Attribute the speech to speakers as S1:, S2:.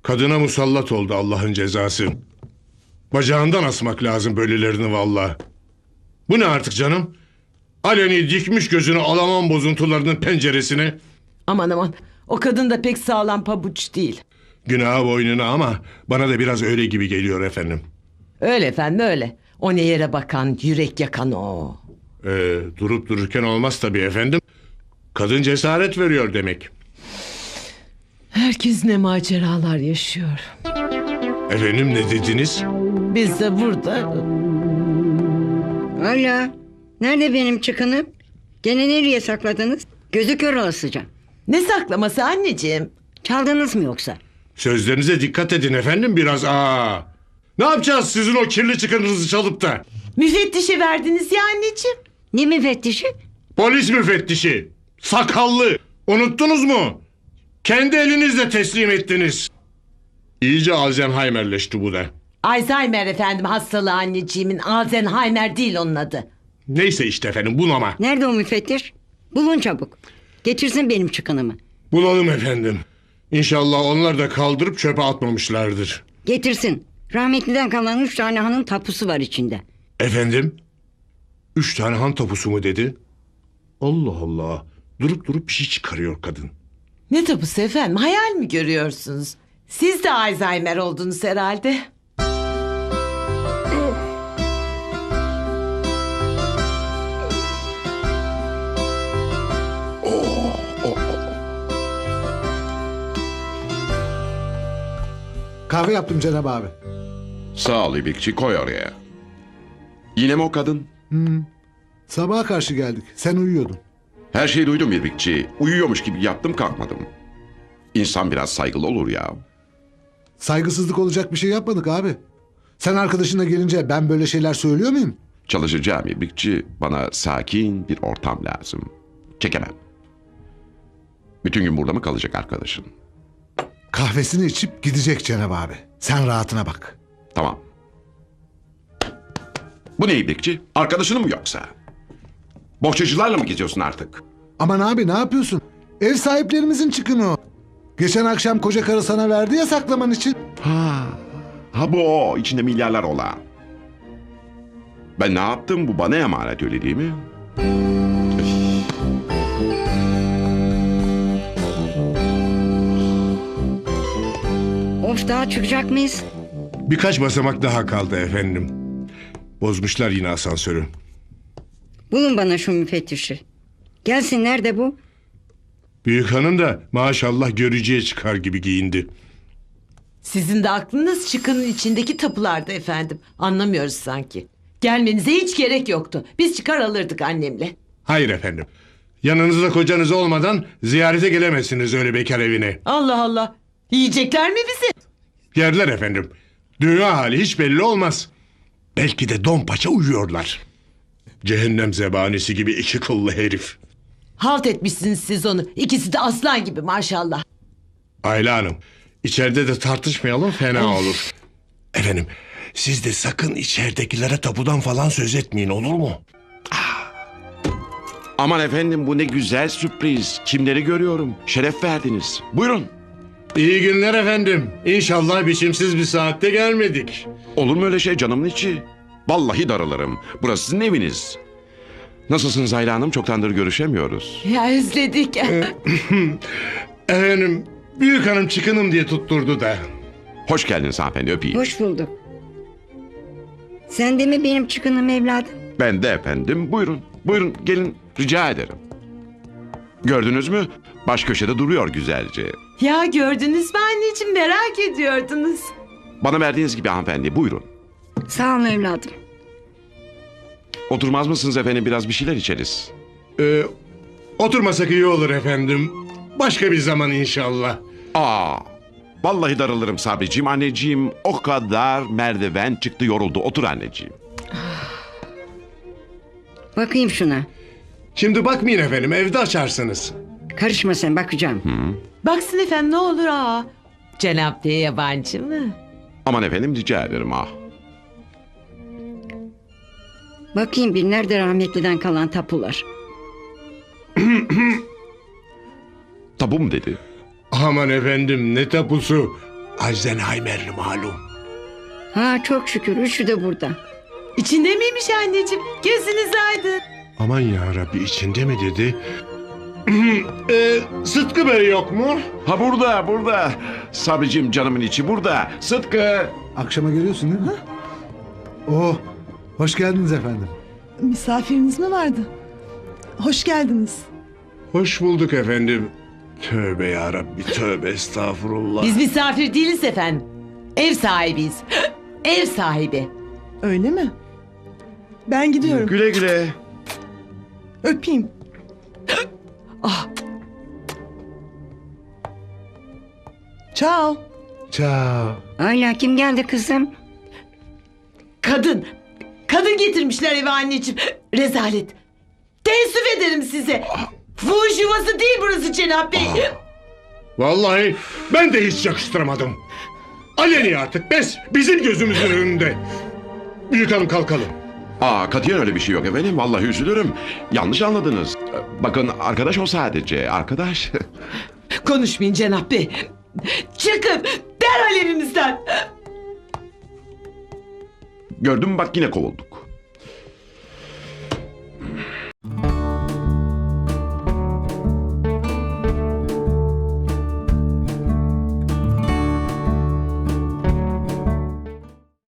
S1: Kadına musallat oldu Allah'ın cezası. Bacağından asmak lazım böylelerini vallahi. Bu ne artık canım? Aleni dikmiş gözünü Alaman bozuntularının penceresine.
S2: Aman aman, o kadın da pek sağlam pabuç değil.
S1: Günah boynuna ama bana da biraz öyle gibi geliyor efendim.
S2: Öyle efendim öyle. O ne yere bakan, yürek yakan o.
S1: Durup dururken olmaz tabii efendim. Kadın cesaret veriyor demek.
S2: Herkes ne maceralar yaşıyor.
S1: Efendim ne dediniz?
S2: Biz de burada...
S3: Hala. Nerede benim çıkınım? Gene nereye sakladınız? Gözü kör olasıca.
S2: Ne saklaması anneciğim?
S3: Çaldınız mı yoksa?
S1: Sözlerinize dikkat edin efendim biraz. Ne yapacağız sizin o kirli çıkınınızı çalıp da?
S2: Müfettişe verdiniz ya anneciğim.
S3: Ne müfettişi?
S1: Polis müfettişi. Sakallı. Unuttunuz mu? Kendi elinizle teslim ettiniz. İyice Alzheimer'leşti bu da.
S2: Alzheimer efendim hastalığı anneciğimin. Alzheimer değil onun adı.
S1: Neyse işte efendim bunama.
S3: Nerede o müfettiş? Bulun çabuk. Getirsin benim çıkınımı.
S1: Bulalım efendim. İnşallah onlar da kaldırıp çöpe atmamışlardır.
S3: Getirsin. Rahmetliden kalan 3 tane hanın tapusu var içinde.
S1: Efendim? 3 tane han tapusu mu dedi? Allah Allah. Durup durup bir şey çıkarıyor kadın.
S2: Ne tapusu efendim? Hayal mi görüyorsunuz? Siz de Alzheimer oldunuz herhalde.
S4: Kahve yaptım Cenab abi.
S5: Sağ ol İbrikçi, koy oraya. Yine mi o kadın?
S4: Sabaha karşı geldik. Sen uyuyordun.
S5: Her şeyi duydum İbrikçi. Uyuyormuş gibi yattım kalkmadım. İnsan biraz saygılı olur ya.
S4: Saygısızlık olacak bir şey yapmadık abi. Sen arkadaşınla gelince ben böyle şeyler söylüyor muyum?
S5: Çalışacağım İbrikçi. Bana sakin bir ortam lazım. Çekemem. Bütün gün burada mı kalacak arkadaşın?
S4: Kahvesini içip gidecek Cenab abi. Sen rahatına bak.
S5: Tamam. Bu ne İbrikçi? Arkadaşın mı yoksa? Bohçacılarla mı geziyorsun artık?
S4: Aman abi ne yapıyorsun? Ev sahiplerimizin çıkını o. Geçen akşam koca karı sana verdi ya saklaman için.
S5: Ha bu o. İçinde milyarlar olan. Ben ne yaptım? Bu bana emanet, öyle değil mi?
S3: Of, daha çıkacak mıyız?
S1: Birkaç basamak daha kaldı efendim. Bozmuşlar yine asansörü.
S3: Bulun bana şu müfettişi. Gelsin, nerede bu?
S1: Büyük hanım da maşallah görücüye çıkar gibi giyindi.
S2: Sizin de aklınız çıkının içindeki tapularda efendim. Anlamıyoruz sanki. Gelmenize hiç gerek yoktu. Biz çıkar alırdık annemle.
S1: Hayır efendim. Yanınızda kocanız olmadan ziyarete gelemezsiniz öyle bekar evine.
S2: Allah Allah. Yiyecekler mi bizi?
S1: Yerler efendim. Dünya hali hiç belli olmaz. Belki de don paça uyuyorlar. Cehennem zebanisi gibi iki kıllı herif.
S2: Halt etmişsiniz siz onu. İkisi de aslan gibi maşallah.
S1: Ayla Hanım, içeride de tartışmayalım fena olur. Efendim, siz de sakın içeridekilere tapudan falan söz etmeyin olur mu?
S5: Aman efendim, bu ne güzel sürpriz. Kimleri görüyorum. Şeref verdiniz. Buyurun.
S1: İyi günler efendim. İnşallah biçimsiz bir saatte gelmedik.
S5: Olur mu öyle şey canımın içi? Vallahi darılırım. Burası sizin eviniz. Nasılsınız Ayla Hanım? Çoktandır görüşemiyoruz.
S2: Ya özledik.
S1: Efendim, büyük hanım çıkınım diye tutturdu da.
S5: Hoş geldiniz hanımefendi, öpeyim.
S3: Hoş bulduk. Sen de mi benim çıkınım evladım?
S5: Ben de efendim. Buyurun. Buyurun gelin, rica ederim. Gördünüz mü? Baş köşede duruyor güzelce.
S2: Ya gördünüz mü anneciğim, merak ediyordunuz.
S5: Bana verdiğiniz gibi hanımefendi, buyurun.
S3: Sağ olun evladım.
S5: Oturmaz mısınız efendim, biraz bir şeyler içeriz.
S1: Oturmasak iyi olur efendim. Başka bir zaman inşallah.
S5: Vallahi darılırım Sabriciğim. Anneciğim o kadar merdiven çıktı, yoruldu. Otur anneciğim.
S3: Bakayım şuna.
S1: Şimdi bakmayın efendim, evde açarsınız.
S3: Karışma sen, bakacağım.
S2: Baksın efendim ne olur ha. Cenab Bey yabancı mı?
S5: Aman efendim, rica ederim
S3: Bakayım bir, nerede rahmetliden kalan tapular?
S5: Tabu mu dedi?
S1: Aman efendim ne tapusu. Alzheimer'li malum.
S3: Ha çok şükür üçü de burada.
S2: İçinde miymiş anneciğim? Gözünüz aydın.
S1: Aman ya Rabbi, içinde mi dedi? Sıtkı Bey yok mu?
S5: Ha burada. Sabricim canımın içi burada. Sıtkı.
S4: Akşama geliyorsun değil mi? Oh, hoş geldiniz efendim.
S6: Misafiriniz mi vardı? Hoş geldiniz.
S1: Hoş bulduk efendim. Tövbe ya Rabbi, tövbe estağfurullah.
S2: Biz misafir değiliz efendim. Ev sahibiyiz. Ev sahibi.
S6: Öyle mi? Ben gidiyorum.
S5: Güle güle.
S6: Öpeyim.
S2: Ah,
S6: Ciao.
S4: Ciao.
S3: Hala kim geldi kızım?
S2: kadın. Kadın getirmişler eve anneciğim. Rezalet. Teessüf ederim size. Fuhuş yuvası değil burası Cenap Bey.
S1: Vallahi ben de hiç yakıştıramadım. Aleni artık, bizim gözümüzün önünde. Büyük hanım, kalkalım.
S5: Katiyen öyle bir şey yok efendim. Vallahi üzülürüm. Yanlış anladınız. Bakın arkadaş o sadece. Arkadaş.
S2: Konuşmayın Cenap Bey. Çıkın derhal evimizden.
S5: Gördün mü bak yine kovulduk.